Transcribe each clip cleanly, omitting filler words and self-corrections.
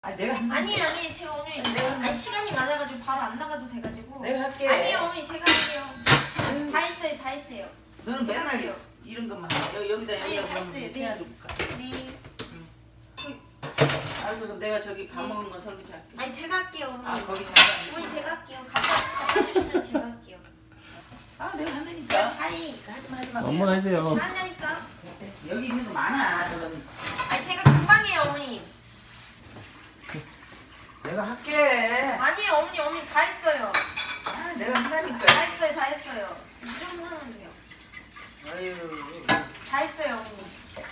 아 내가 아니 제가 어머니 아니 시간이 많아가지고 바로 안 나가도 돼가지고 내가 할게. 아니요 어머니 제가 할게요. 다 했어요. 너는 제가 맨날 할게요. 이런 것만 해. 여기다 아니, 다 그러면 했어요. 이렇게 해줄까? 네. 알았어 그럼 내가 저기 밥 먹은 거 설거지 할게. 아니 제가 할게요 어머니. 아 거기 잠깐. 어머니 제가 할게요. 갖다 주시면 제가 할게요. 아 내가 야 한다니까. 자리 하지마. 엄마 하세요. 잘한다니까. 여기 있는 거 많아. 저건 아니 제가 금방 해요 어머니. 내가 할게. 아니에요 어머니 다 했어요. 아 내가 한다니까. 다 했어요. 이 정도 하면 돼요. 아유 다 했어요 어머니.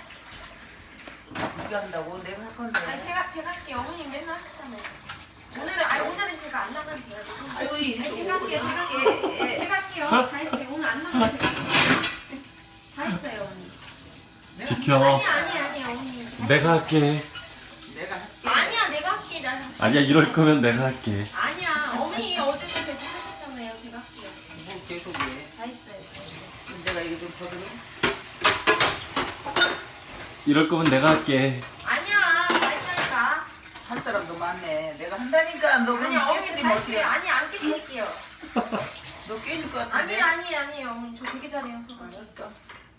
네가 한다고 내가 할 건데. 아니 제가 할게요. 어머니 맨날 하시잖아요. 오늘은 제가 안 나가도 돼가지고. 아이고 이 아니, 제가 할게요. 제가 할게요. 다 했어요. 오늘 안 나가도 돼요. 다 했어요 어머니. 내가 비켜. 아니 어머니. 내가 할게. 내가 할게. 아니야 내가 할게. 난 아니야 이럴 거면 내가 할게. 아니야 어머니 어제도 계속 하셨잖아요. 제가 할게요. 뭐 계속 해. 다 했어요. 그럼 내가 이거 좀 거들어. 이럴 거면 내가 할게. 아니야 다 했다니까. 할 사람도 많네. 내가 한다니까. 너 아니 그럼 어머니 깨뜨리면 다 어떻게? 했어요. 아니 안 깨뜨릴게요. 너 깨질 것 같은데. 아니에요 어머니. 저 되게 잘해요. 알았어.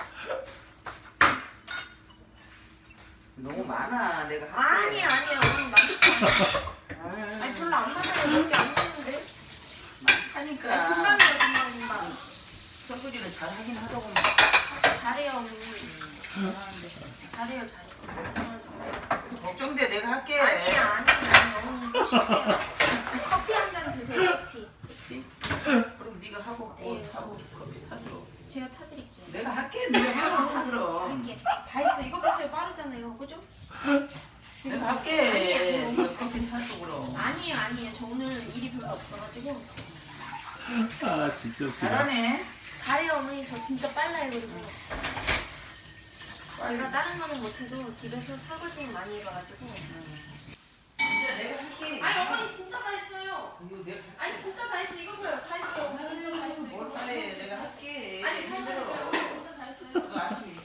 너무 많아. 내가 할게. 아니에요 어머니 맞으시죠. 아유, 아니 별로 안 맞아요. 이렇게 안 맞는데. 많다니까. 금방이에요 금방. 설거지는 잘 하긴 하더구만. 잘해요 어머니. 잘해요. 걱정돼. 내가 할게. 아니에요 어머니 쉬세요. 커피 한 잔 드세요 커피. 그럼 네가 하고 네. 하고 커피 타줘. 제가 타드릴게요. 내가 할게. 네가 하고 타들어. 할게. 다 했어. 이거 보세요 빠르잖아요. 그죠? 내가 할게. 아니야. 네가 커피 타줘 그럼. 아니에요. 저 오늘 일이 별로 없어가지고 아 진짜 웃기다. 잘하네. 잘해요 어머니. 저 진짜 빨라요 그리고. 제가 다른 거는 못해도 집에서 설거지는 많이 해봐가지고. 진짜 내가 할게. 아니 어머니 진짜 다 했어요. 이거 내가 할게. 아니 진짜 다 했어. 이거 봐요. 다 했어. 진짜 다 했어. 뭘 이거. 잘해. 내가 할게. 아니 다 힘들어. 했어요. 진짜 다 했어요. 너 아침에